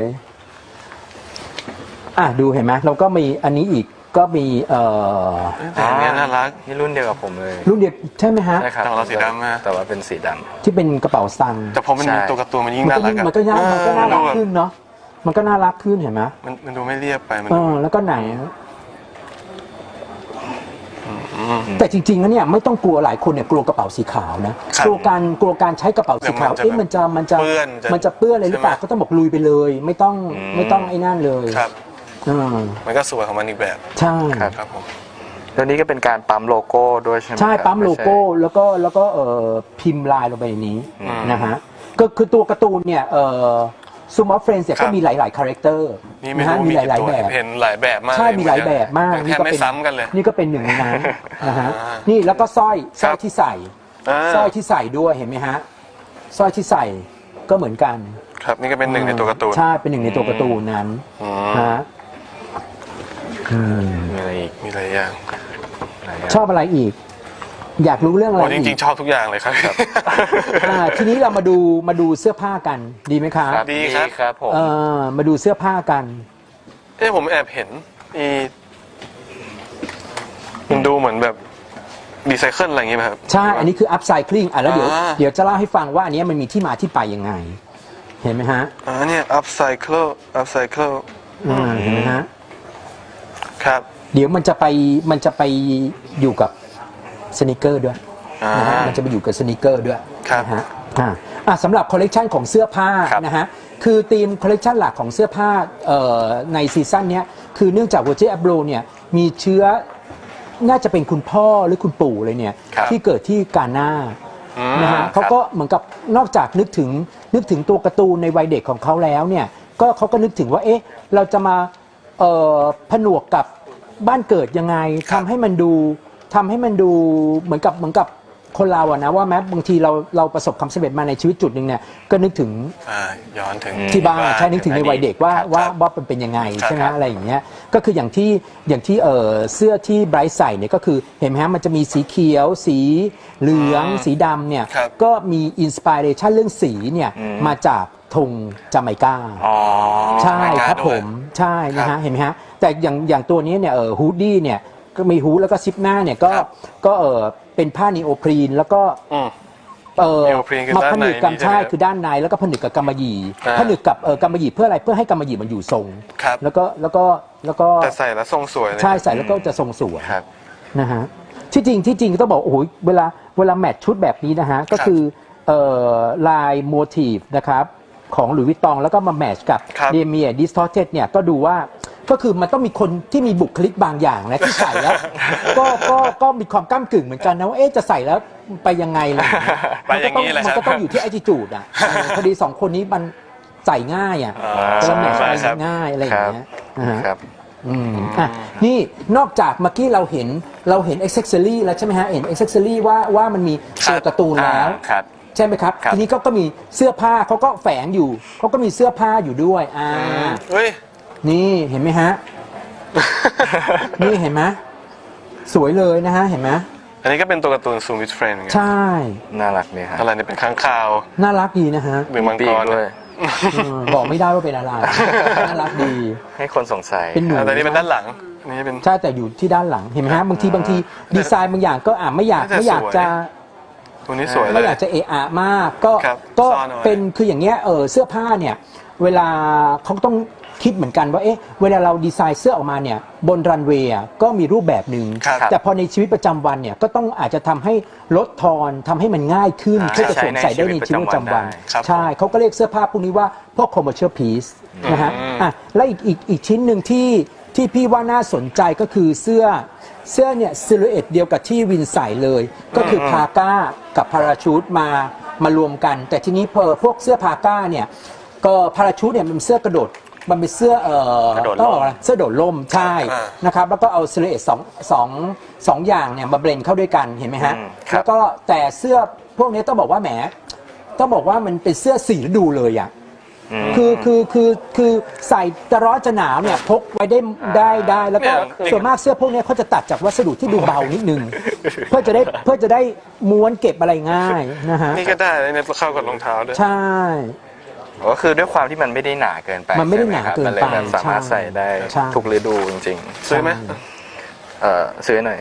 Speaker 2: อ่ะดูเห็นไหมเราก็มีอันนี้อีกก็มีเอ่อ
Speaker 3: แต่อันเนี้ยน่ารัก
Speaker 1: นี่รุ่นเดียวกับผมเลย
Speaker 2: รุ่นเดียวใช่ไหมฮะ
Speaker 1: ใช่ครับ
Speaker 3: แต่ของเราสีดำฮะ
Speaker 1: แต่ว่าเป็นสีดำ
Speaker 2: ที่เป็นกระเป๋าสตังค์
Speaker 3: แต่พอมันมี
Speaker 1: ใช่
Speaker 3: ตัวการ์ตูนมันยิ่ง
Speaker 2: มัน
Speaker 3: น่า
Speaker 2: ก็
Speaker 3: รัก
Speaker 2: ยิ่ง
Speaker 3: อะ
Speaker 2: มันก็น่ามันก็น่ารัก
Speaker 3: เออ
Speaker 2: ขึ้นเนาะมันก็น่ารักขึ้นเห็นไหม
Speaker 3: มันมันดูไม่เรียบไปมัน
Speaker 2: เออแล้วก็หนัง แต่จริงๆแล้วเนี่ยไม่ต้องกลัวหลายคนเนี่ยกลัวกระเป๋าสีขาวนะครับ กลัวการกลัวการใช้กระเป๋าสีขาว
Speaker 3: เดี๋ยวมันจะ
Speaker 2: เอ๊ะมันจะมันจะ
Speaker 3: เปื้อนจะ
Speaker 2: มันจะเปื้อนอะไรหรือเปล่า
Speaker 3: ใช่ไหม
Speaker 2: ก็ต้องบอกลุยไปเลย ไม่ต้อง
Speaker 1: อืม
Speaker 2: ไม่ต้องไอ้นั่นเลย
Speaker 3: ครับ
Speaker 2: อ่า
Speaker 3: มันก็สวยของมันอีกแบบ
Speaker 2: ใช่
Speaker 1: ครับ
Speaker 3: ครับผม
Speaker 1: แล้วนี่ก็เป็นการปั๊มโลโก้ด้วยใช่ไหม
Speaker 2: ใช่
Speaker 1: ครับ
Speaker 2: ปั๊มโลโก้
Speaker 1: ไใช่
Speaker 2: แล้วก็แล้วก็เอ่อพิมพ์ลายลงไปในนี้
Speaker 1: อืม
Speaker 2: นะฮะก็คือตัวการ์ตูนเนี่ยเอ่อซูมอฟเฟรนส์เนี่ย
Speaker 3: ครั
Speaker 2: ก็
Speaker 3: บ
Speaker 2: มีหลายๆคาแรคเตอร์
Speaker 3: นี่ไม่
Speaker 2: นะฮะ
Speaker 3: รู้
Speaker 2: มี
Speaker 3: มี
Speaker 2: ห
Speaker 3: กี่
Speaker 2: ลาย
Speaker 3: ตัว
Speaker 2: ๆแบบ
Speaker 3: เห็นหลายแบบมาก
Speaker 2: ใช่
Speaker 3: เลย
Speaker 2: มีหลายแบบมาก
Speaker 3: แทบไม่ซ้ำกันเลย
Speaker 2: นี่ก็เป็นหนึ่งในนั้นนะฮะ
Speaker 3: อ่า
Speaker 2: นี่แล้วก็สร้อยสร้อย
Speaker 3: ครับ
Speaker 2: ที่ใส่
Speaker 3: อ่า
Speaker 2: สร้อยที่ใส่ด้วยเห็นไหมฮะสร้อยที่ใส่ก็เหมือนกัน
Speaker 3: ครับนี่ก็เป็นหนึ่งในตัวการ์ตูน
Speaker 2: ใช่เป็นหนึ่งในตัวการ์ตูนนั้น
Speaker 3: อืม
Speaker 2: ฮะอืม
Speaker 1: มีอะไรอีก
Speaker 3: มีหลายอย่าง
Speaker 1: หลายย่าง
Speaker 2: ชอบอะไรอีก อยากรู้เรื่องอะไร
Speaker 3: โอ้จ
Speaker 2: อี
Speaker 3: ริง
Speaker 2: ก
Speaker 3: ๆ ชอบทุกอย่างเลยครับ
Speaker 2: อ่าทีนี้เรามาดูมาดูเสื้อผ้ากันดีไหมครับ
Speaker 1: ครับ
Speaker 3: ดี
Speaker 1: ดี
Speaker 3: ครับ
Speaker 1: ครับผม
Speaker 2: เออมาดูเสื้อผ้ากัน
Speaker 3: เอ้ผมแอบเห็นอีมันดูเหมือนแบบรีไซเคิลอะไรอย่างเงี้ยไหมครับ
Speaker 2: ใช่ อันนี้คือ upcycling อ่ะแล้วเดี๋ยว
Speaker 3: อ่า
Speaker 2: เดี๋ยวจะเล่าให้ฟังว่าอันเนี้ยมันมีที่มาที่ไปยังไง เห็นไหมฮะ
Speaker 3: อ่าเนี่ย upcycle upcycle
Speaker 2: อ่าเห็นไหมฮะ
Speaker 3: ครับ
Speaker 2: เดี๋ยวมันจะไปมันจะไปอยู่กับสนิเกอร์ด้วย
Speaker 3: อ่า
Speaker 2: นะฮะมันจะไปอยู่กับสนิเกอร์ด้วย
Speaker 3: ครับ
Speaker 2: นะฮะอ่าอ่ะสำหรับคอลเลกชันของเสื้อผ้า
Speaker 1: ครับ
Speaker 2: นะฮะคือธีมคอลเลกชันหลักของเสื้อผ้าเอ่อในซีซั่นเนี้ยคือเนื่องจาก Virgil Abloh เนี่ยมีเชื้อน่าจะเป็นคุณพ่อหรือคุณปู่เลยเนี่ย
Speaker 1: ครับ
Speaker 2: ที่เกิดที่กาหน้า
Speaker 3: อืม
Speaker 2: นะฮะเขาก็เหมือนกับนอกจากนึกถึงนึกถึงตัวการ์ตูนในวัยเด็กของเขาแล้วเนี่ยก็เขาก็นึกถึงว่าเอ๊ะเราจะมาเอ่อผนวกกับบ้านเกิดยังไงทำให้มันดูทำให้มันดูเหมือนกับเหมือนกับคนเราอะนะว่าแม้บางทีเราเราประสบความสำเร็จมาในชีวิตจุดหนึ่งเนี่ยก็นึกถึง
Speaker 3: อ่าย้อนถึง
Speaker 2: ที่บ้านใช่นึกถึงในวัยเด็กว่า
Speaker 3: ครับ
Speaker 2: ว่า
Speaker 3: ครับ
Speaker 2: ว่ามันเป็นยังไง
Speaker 3: ครับ
Speaker 2: ใช่ไหม
Speaker 3: ครับ
Speaker 2: อะไรอย่างเงี้ยก็คืออย่างที่อย่างที่เออเสื้อที่ไบรท์ใส่เนี่ยก็คือเห็นไหมฮะมันจะมีสีเขียว สีเหลือง สีดำเนี่ย
Speaker 3: ครับ
Speaker 2: ก็มีอินสปิเรชันเรื่องสีเนี่ยมาจากธงจาเมกา
Speaker 1: อ๋อ
Speaker 2: ใช่
Speaker 3: จาเมกา
Speaker 2: ครับ
Speaker 3: ด้วย
Speaker 2: ผมใช่นะ
Speaker 3: ครั
Speaker 2: ฮะ
Speaker 3: บ
Speaker 2: เห็นไหมฮะแต่อย่างอย่างตัวนี้เนี่ยเออฮูดดี้เนี่ยก็มีฮูดแล้วก็ซิปหน้าเนี่ยก็
Speaker 3: ครับ
Speaker 2: ก็เออเป็นผ้านีโอพรีนแล้วก็
Speaker 3: อืม
Speaker 2: เออ
Speaker 3: นีโอพรีนคือ
Speaker 2: มา
Speaker 3: ด้าน
Speaker 2: ผ
Speaker 3: ใน
Speaker 2: นึกกัน
Speaker 3: นี่ใช่ไหม
Speaker 2: ใช่
Speaker 3: ครับ
Speaker 2: คือด้านในแล้วก็ผนึกกับกำมะหยี่
Speaker 3: อ่า
Speaker 2: ผนึกกับเออกำมะหยี่เพื่ออะไรเพื่อให้กำมะหยี่มันอยู่ทรง
Speaker 3: ครับ
Speaker 2: แล้วก็แล้วก็แล้วก็
Speaker 3: แต่ใส่แล้วทรงสวยเลย
Speaker 2: ใช่ใส่แล้วก็จะทรงสวย
Speaker 3: ครับ
Speaker 2: นะฮะที่จริงที่จริงต้องบอกโอ้โหเวลาเวลาแมทชุดแบบนี้นะฮะก็คือเอ่อลายโมทีฟนะครับของหลุยส์วิตตองแล้วก็มาแมทช์กับ
Speaker 3: ครับ
Speaker 2: เดเมียดิสทอร์เทเนี่ยก็ดูว่าก็คือมันต้องมีคนที่มีบุคลิกบางอย่างนะที่ใส่แล้ว ก็ก็ก็มีความก้ากึ่งเหมือนกันนะว่าเอ๊ะจะใส่แล้วไปยังไงล่ะ
Speaker 3: ไปอย่างนี้แหละ
Speaker 2: มัน
Speaker 3: ครับ
Speaker 2: ก็ต้องอยู่ที่ attitude อ่ะเออพอดีสองคนนี้มันใส่ง่ายอ่ะ
Speaker 3: อ่า
Speaker 2: จะแมทช์อะไร
Speaker 3: ครับ
Speaker 2: ง่ายอะไรอย่างเงี้ยนะฮะ
Speaker 1: ครับ
Speaker 2: อืมอ่ะนี่นอกจากเมื่อกี้เราเห็นเราเห็นอ็อกเซสซอรี่แล้วใช่ไหมฮะเห็นอ็อกเซสซอรี่ว่าว่ามันมีตัวการ์ตูนแล้ว
Speaker 1: อ่าครับ
Speaker 2: ใช่ไหมครับ
Speaker 1: ครับ
Speaker 2: ทีนี้ก็ก็มีเสื้อผ้าเขาก็แฝงอยู่เขาก็มีเสื้อผ้าอยู่ด้วยอ่า
Speaker 3: เฮ้ย
Speaker 2: นี่เห็นไหมฮะ นี่เห็นไหมสวยเลยนะฮะเห็นไหม
Speaker 3: อันนี้ก็เป็นตัวการ์ตูนซูมิทเฟรนเหมือนกัน
Speaker 2: ใช่
Speaker 1: น่ารักดีฮะ
Speaker 3: อะไรเนี่ยเป็นข้างคาว
Speaker 2: น่ารักดีนะฮะ
Speaker 3: หรือมัง
Speaker 1: ปี
Speaker 3: ก
Speaker 1: ก
Speaker 3: ร
Speaker 1: ด้วย
Speaker 2: อืมบอกไม่ได้ว่าเป็นอะไรน่ารักดี
Speaker 1: ให้คนสงสัย
Speaker 2: เป็นหนู
Speaker 3: อ่าแต่นี่เป็นด้านหลังอันนี่เป็น
Speaker 2: ใช่แต่อยู่ที่ด้านหลังเห็นไหมฮะบางทีบางทีดีไซน์บางอย่างก็อ่าไม่อยาก
Speaker 3: น่าจะ
Speaker 2: ไม่อยาก
Speaker 3: สวย
Speaker 2: จะ
Speaker 3: ตัวนี้สวยเล
Speaker 2: ไม่
Speaker 3: ย
Speaker 2: อยากจะเอะอะมากก็
Speaker 3: ครับ
Speaker 2: ก็
Speaker 3: ซ่อนเอาไว้
Speaker 2: เป็นคืออย่างเงี้ยเออเสื้อผ้าเนี่ยเวลาเขาต้องคิดเหมือนกันว่าเอ๊ะเวลาเราดีไซน์เสื้อออกมาเนี่ยบนรันเวย์อ่ะก็มีรูปแบบหนึ่ง
Speaker 3: ครับ
Speaker 2: แต่พอในชีวิตประจำวันเนี่ยก็ต้องอาจจะทำให้ลดทอนทำให้มันง่ายขึ้น
Speaker 1: อ่า
Speaker 2: เพื่อจะสวมใส่ได้ในชีวิตประจำวัน
Speaker 3: ครับ
Speaker 2: ใช่เขาก็เรียกเสื้อผ้าพวกนี้ว่าพวก commercial piece นะฮะ
Speaker 3: อืม
Speaker 2: อ่ะและอีกอีกอีกชิ้นหนึ่งที่ที่พี่ว่าน่าสนใจก็คือเสื้อเสื้อเนี่ยซิลูเอตเดียวกับที่วินใส่เลย ก็คือพาก้ากับพาราชูตมามารวมกัน แต่ทีนี้พอพวกเสื้อพาก้าเนี่ยก็พาราชูตเนี่ยมันเป็นเสื้อกระโดดมันเป็นเสื้อเอ่อก
Speaker 1: ระโดดร่ม
Speaker 2: ต้องบอกว่าเสื้อโดดร่มใช่
Speaker 3: อ่า
Speaker 2: นะครับแล้วก็เอาซิลูเอตสองสองสองอย่างเนี่ยมาเบลนด์เข้าด้วยกันเห็นไหมฮะ
Speaker 1: อืมครับ
Speaker 2: แล้วก็แต่เสื้อพวกนี้ต้องบอกว่าแหมต้องบอกว่ามันเป็นเสื้อสีฤดูเลยอ่ะ
Speaker 1: ม
Speaker 2: คือคือคือคือใส่จะร้อนจะหนาวเนี่ยพกไว้ได้ได้ได้แล้วก็
Speaker 3: เนี่ย
Speaker 2: ส่วนมากเสื้อพวกเนี้ยเขาจะตัดจากวัสดุที่ดูเบานิดนึง เพื่อจะได้เพื่อจะได้ม้วนเก็บอะไรง่ายนะฮะ
Speaker 3: นี่ก็ได้เลยเนี่ยเข้ากับรองเท้าด้วย
Speaker 2: ใช่
Speaker 1: ก็คือด้วยความที่มันไม่ได้หนาเกินไป
Speaker 2: มันไม่ได้
Speaker 1: ใช่
Speaker 2: หนา
Speaker 1: ครับ
Speaker 2: เกิน
Speaker 1: มันเลย
Speaker 2: ไป
Speaker 1: แบบสามารถ
Speaker 2: ใช่
Speaker 1: ใส่ได้
Speaker 2: ใช่
Speaker 1: ทุกฤดูจริง
Speaker 3: ซื้อไหม
Speaker 1: ๆเอ่อซื้อหน่อย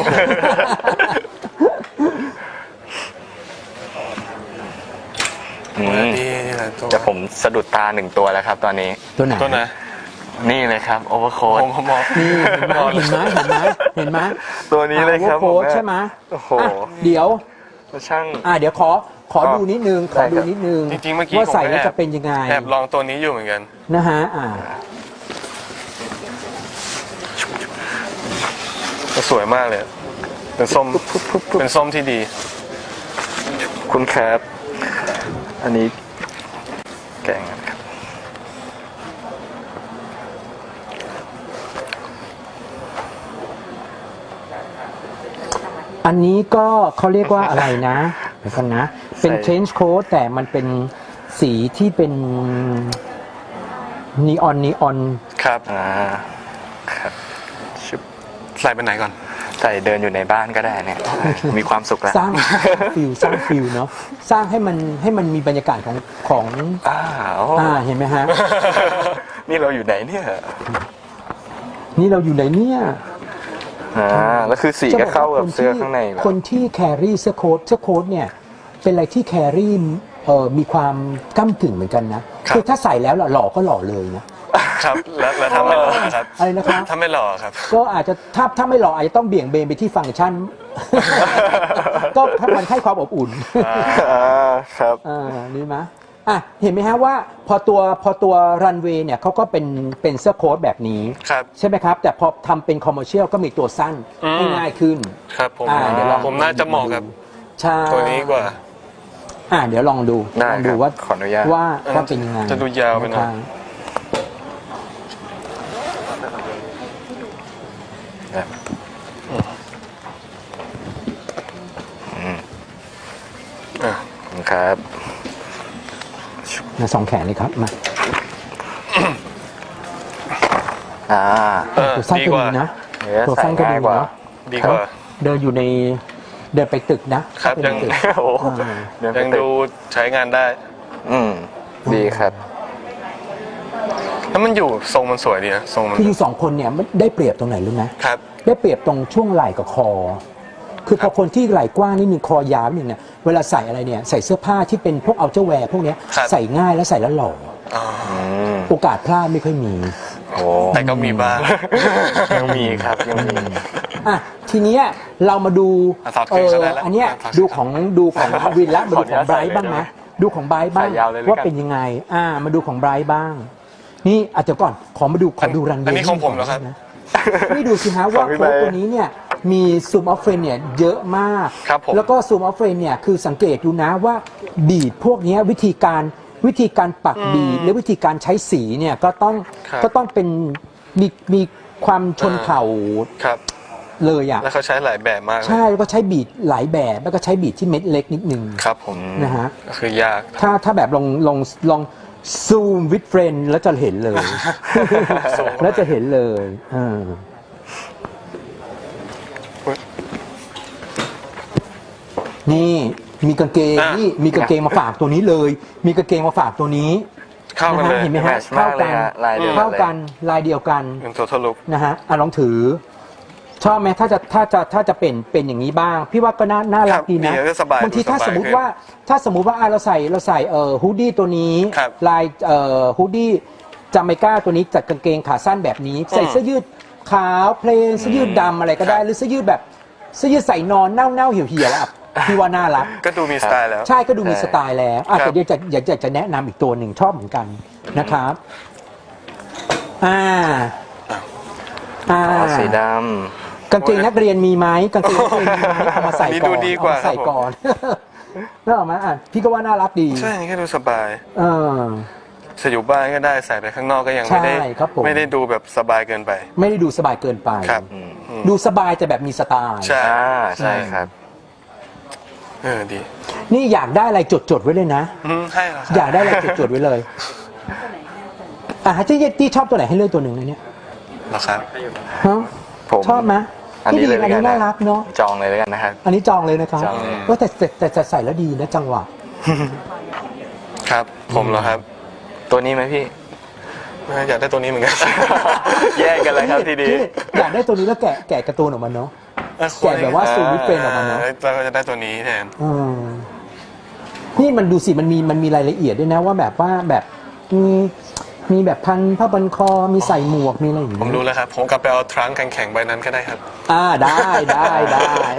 Speaker 1: อืม
Speaker 3: นี่นี่แหละตัว
Speaker 1: แต่ผมสะดุดตาหนึ่งตัวแล้วครับตอนนี้
Speaker 2: ตัวไหน
Speaker 3: ตัวไหน
Speaker 1: นี่เลยครับโอเวอร์โค้ด
Speaker 3: ผมผมมอง
Speaker 2: นี่เห็นไหมเห็นไหมเห็นไหมเห็นไหม
Speaker 1: ตัวนี้เลยครับ
Speaker 2: โค้
Speaker 1: ผม
Speaker 2: ด
Speaker 1: แม่
Speaker 2: ใช่ไหม
Speaker 1: โอ้โห
Speaker 2: อ่ะเดี๋ยว
Speaker 1: ช่าง
Speaker 2: อ่ะเดี๋ยวขอขอดูนิดนึงขอดูนิดนึง
Speaker 3: จริงๆเมื่อกี้
Speaker 2: ว่าใส่
Speaker 3: ผมก็
Speaker 2: แล้ว
Speaker 3: แอบ
Speaker 2: จะเป็นยังไง
Speaker 3: แอบลองตัวนี้อยู่เหมือนกัน
Speaker 2: นะฮะอ่า
Speaker 3: สวยมากเลย เป็นส้ม เป็นส้มที่ดี
Speaker 1: คุณครับ อันนี้แกงครับ
Speaker 2: อันนี้ก็เขาเรียกว่าอะไรนะเดี๋ยวกันนะ เป็น trench coat แต่มันเป็นสีที่เป็นนีออนนีออน
Speaker 3: ครับ
Speaker 1: อ่าครับชุบ
Speaker 3: ใส่ไปไหนก่อน
Speaker 1: ใส่เดินอยู่ในบ้านก็ได้เนี่ย มีความสุขแล้ว
Speaker 2: สร้างฟิลสร้างฟิลเนาะสร้างให้มันให้มันมีบรรยากาศของของ
Speaker 1: อ้าว
Speaker 2: อ่าเห็นไหมฮะ
Speaker 1: นี่เราอยู่ไหนเนี่ย
Speaker 2: นี่เราอยู่ไหนเนี่ย
Speaker 1: อ่าแล้วคือสีก็เข้ากับเสื้อข้างในแบบ
Speaker 2: คนที่แครี่เสื้อโค้ทเสื้อโค้ทเนี่ยเป็นอะไรที่แครี่เอ่อมีความก้ากึ่งเหมือนกันนะครับ คือถ้าใส่แล้วหล่อก็หล่อเลยนะครับ
Speaker 3: แล้วแล้วถ้าไม่หล่อครับ
Speaker 2: อะไรนะครับ
Speaker 3: ถ้าไม่หล่อครับ
Speaker 2: ก็อาจจะถ้าถ้าไม่หล่ออาจจะต้องเบี่ยงเบนไปที่ฟังก์ชัน ก็มันให้ความอบอุ่น
Speaker 1: อ่าครับ
Speaker 2: อ่านี่ไหมอ่ะเห็นไหมฮะว่าพอตัวพอตัวรันเวย์เนี่ยเขาก็เป็นเป็นเสื้อโค้ทแบบนี้
Speaker 3: ครับ
Speaker 2: ใช่ไหมครับ แต่พอทำเป็นคอมเมอร์เชียลก็มีตัวสั้น
Speaker 3: อืม
Speaker 2: ให้ง่ายขึ้น
Speaker 3: ครับผม
Speaker 2: อ่าเดี๋ยวลอง
Speaker 3: ผมน่าจะเหมาะกับ
Speaker 2: ใช่
Speaker 3: ตัวนี้กว่า
Speaker 2: อ่าเดี๋ยวลองดู
Speaker 1: ได้
Speaker 2: ลองดู
Speaker 1: ครับ
Speaker 2: ว่า
Speaker 1: ขออนุญาต
Speaker 2: ว่าว่าเป็นยังไง
Speaker 3: จะดูยาวไปหน่อย
Speaker 2: ะครับ
Speaker 3: อ่ะ
Speaker 1: ครับ
Speaker 2: มาสองแขนเลยครับมา
Speaker 1: อ่า
Speaker 3: เออ
Speaker 2: ตัวสั้น
Speaker 3: ดี
Speaker 2: ก็
Speaker 3: กว่า
Speaker 2: ดีนะ
Speaker 1: เนื้อ
Speaker 2: ตัว
Speaker 1: ใส่
Speaker 2: สั้นก็
Speaker 1: ง่า
Speaker 2: ดี
Speaker 1: ยกว่า
Speaker 2: เนาะ
Speaker 3: ดีกว่า
Speaker 2: เดินอยู่ในเดินไปตึกนะครับ เป็น
Speaker 3: ยัง
Speaker 2: ตึก
Speaker 1: โอ้โห
Speaker 2: อ่า
Speaker 1: เนื้อ
Speaker 3: ยัง
Speaker 1: เป็น
Speaker 3: ดูใช้งานได้
Speaker 1: อืมดีครับ
Speaker 3: แล้วมันอยู่ทรงมันสวยดีนะทรงมัน
Speaker 2: คืออยู่สองคนเนี่ยมันได้เปรียบตรงไหนรู้ไหม
Speaker 3: ครับ
Speaker 2: ได้เปรียบตรงช่วงไหล่กับคอ คือพอคนที่ไหล่กว้างนิดนึงคอยาวนิดนึงเนี่ยเวลาใส่อะไรเนี่ยใส่เสื้อผ้าที่เป็นพวกเอาเจ้าแวร์พวกเนี้ย
Speaker 3: ครับ
Speaker 2: ใส่ง่ายแล้วใส่แล้วหล่อ
Speaker 3: อ๋อ
Speaker 1: อืม
Speaker 2: โอกาสพลาดไม่ค่อยมี
Speaker 1: โอ้
Speaker 3: แต่ก็มีบ้าง
Speaker 1: ยังมีครับยังมี
Speaker 2: อ่ะทีเนี้ยเรามาดู
Speaker 3: อ่ะถอด
Speaker 2: เอ
Speaker 3: เกง
Speaker 2: อ
Speaker 3: ซะได้แล้ว
Speaker 2: อันเนี้ย
Speaker 3: ถอดเกง
Speaker 2: ดูของดูของวินละมาดูของ
Speaker 1: ขออนุญาต
Speaker 2: ไบรท์บ้างไหม
Speaker 1: ใส่เลยได้ไหม
Speaker 2: ดูของไบรท์บ้าง
Speaker 1: ใส่ยาวเลยแล้วกัน
Speaker 2: ว่าเป็นยังไง อ่ามาดูของไบรท์บ้าง นี่อาจจะเดี๋ยวก่อนขอมาดูขอดูรันเวย์
Speaker 3: อันนี้ของผมเหรอครับ
Speaker 2: นะนี่ดูสิฮะว่า
Speaker 1: ของพี่
Speaker 2: โค้ด
Speaker 1: ไบร์ท
Speaker 2: ตัวนี้เนี่ยมีซูมออฟเฟรนเนี่ยเยอะมาก
Speaker 3: ครับผม
Speaker 2: แล้วก็ซูมออฟเฟรนเนี่ยคือสังเกตดูนะว่าบีดพวกเนี้ยวิธีการวิธีการปักบีดหรือวิธีการใช้สีเนี่ยก็ต้อง
Speaker 3: ครับ
Speaker 2: ก็ต้องเป็นมีมีความชนเผ่า
Speaker 3: ครับ
Speaker 2: เลยอ่ะ
Speaker 3: แล้วเขาใช้หลายแบบมากเลย
Speaker 2: ใช่แล้วก็ใช้บีดหลายแบบแล้วก็ใช้บีดที่เม็ดเล็กนิดนึง
Speaker 3: ครับผม
Speaker 2: นะฮะ
Speaker 3: ก็คือยาก
Speaker 2: ถ้าถ้าแบบลองลองลองซูมวิดเฟรนแล้วจะเห็นเลย
Speaker 3: ซูมเข้าไป
Speaker 2: แล้วจะเห็นเลยเออนี่มีกางเกง
Speaker 3: อ่ะ
Speaker 2: นี่มีกางเกงมาฝากตัวนี้เลย มีกางเกงมาฝากตัวนี้
Speaker 3: เข้ากันเลย
Speaker 2: ะฮะเห็นไหม
Speaker 1: แม
Speaker 2: ฮะ
Speaker 1: ทช์มากเลยฮะลายเดียวกัน
Speaker 2: เท่า
Speaker 1: เลย
Speaker 2: กันลายเดียวกัน
Speaker 3: เป็นตัวทะลุ
Speaker 2: นะฮะอ่ะลองถือ ชอบไหมถ้าจะถ้าจะถ้าจะเป็นเป็นอย่างนี้บ้าง พี่ว่าก็น่าน่ารักดีนะครับ
Speaker 3: ดีก็สบาย
Speaker 2: บางทีถ้า
Speaker 3: สบาย
Speaker 2: สมมติ
Speaker 3: ขึ้น
Speaker 2: ว่าถ้าสมมุติว่าอ่ะเราใส่เราใส่เอ่อฮูดดี้ตัวนี้
Speaker 3: ครับ
Speaker 2: ลายเอ่อฮูดดี้จาเมกาตัวนี้จัดกางเกงขาสั้นแบบนี้ ใส่เสื้อยืดขาวเพลนเสื้อยืดดำอะไรก็ได้
Speaker 3: ครับ
Speaker 2: หรือเสื้อยืดแบบเสื้อยืดใส่นอนเน่าเน่าๆเหี่ยวเหี่ยวๆอ่ะพี่ว่าน่ารัก
Speaker 3: ก็ดูมีสไตล์แล้ว
Speaker 2: ใช่ก็ดูมีสไตล์แล้วอ่ะ
Speaker 3: ครับ
Speaker 2: แต่เดี๋ยวจะอยากจะจะแนะนำอีกตัวหนึ่งชอบเหมือนกันนะครับอ่าอ่า
Speaker 1: อ๋อสีด
Speaker 2: กางเกงนักเรียนมีไหมกางเกงนักเรียนมีไหมเอามาใส่
Speaker 3: นี่
Speaker 2: ก่
Speaker 3: ดู
Speaker 2: อน
Speaker 3: ดีก
Speaker 2: เอา
Speaker 3: ว่า
Speaker 2: มาใส่
Speaker 3: ครับผม
Speaker 2: ก่อน แล้วออกมาอ่ะพี่ก็ว่าน่ารักดี
Speaker 3: ใช่แค่ดูสบาย
Speaker 2: เออ
Speaker 3: จะอยู่บ้านก็ได้ใส่ไปข้างนอกก็ยังไม่ได้
Speaker 2: ใช่ครับผม
Speaker 3: ไม่ได้ดูแบบสบายเกินไป
Speaker 2: ไม่ได้ดูสบายเกินไป
Speaker 3: ครับ
Speaker 1: ำอืม
Speaker 2: ดูสบายแต่แบบมีสไตล์
Speaker 3: ใช่
Speaker 1: อ่าใช่ครับ
Speaker 3: เออดี
Speaker 2: นี่อยากได้อะไรจดจดๆไว้เลยนะ
Speaker 3: อืมให้เหรอครับ
Speaker 2: อยากได้อะไรจดจดๆไว้เลยอ่ะที่ที่ชอบตัวไหนให้เลือกตัวหนึ่งนะเนี่ย
Speaker 3: เหรอครับ
Speaker 2: ฮะ
Speaker 1: ผม
Speaker 2: ชอบไหม
Speaker 1: อัน
Speaker 2: พี่
Speaker 1: นี้
Speaker 2: ดี
Speaker 1: เลย
Speaker 2: อันนี้
Speaker 1: แล้วกัน
Speaker 2: น่ารักเนาะ
Speaker 1: จองเลยแล้วกันนะครับ
Speaker 2: อันนี้จองเลยนะครับ
Speaker 1: จองเลย
Speaker 2: เออแต่แต่แต่แต่ใส่แล้วดีนะจังหวะ
Speaker 3: ครับ ผมเหรอครับ
Speaker 1: ตัวนี้ไหมพี่
Speaker 3: อยากได้ตัวนี้เหมือนกัน
Speaker 1: แยกกันเลยครับทีนี้
Speaker 2: พี่อยากได้ตัวนี้แล้วแกะแกะการ์ตูนออกมาเนาะ แกะแบบว่าซูมวิดเฟรนออกมาเนาะ
Speaker 3: เราก็จะได้ตัวนี้แทน
Speaker 2: อืมนี่มันดูสิมันมีมันมีรายละเอียดด้วยนะว่าแบบว่าแบบมีมีแบบพันผ้าบันคอมีใส่หมวกมีอะไรอย่าง
Speaker 3: ผม
Speaker 2: เงี้ย
Speaker 3: รู้แล้วครับ ผมกลับไปเอาทรังก์แข็งๆใบนั้นก็ได้ครับ
Speaker 2: อ่าได้ได้ได้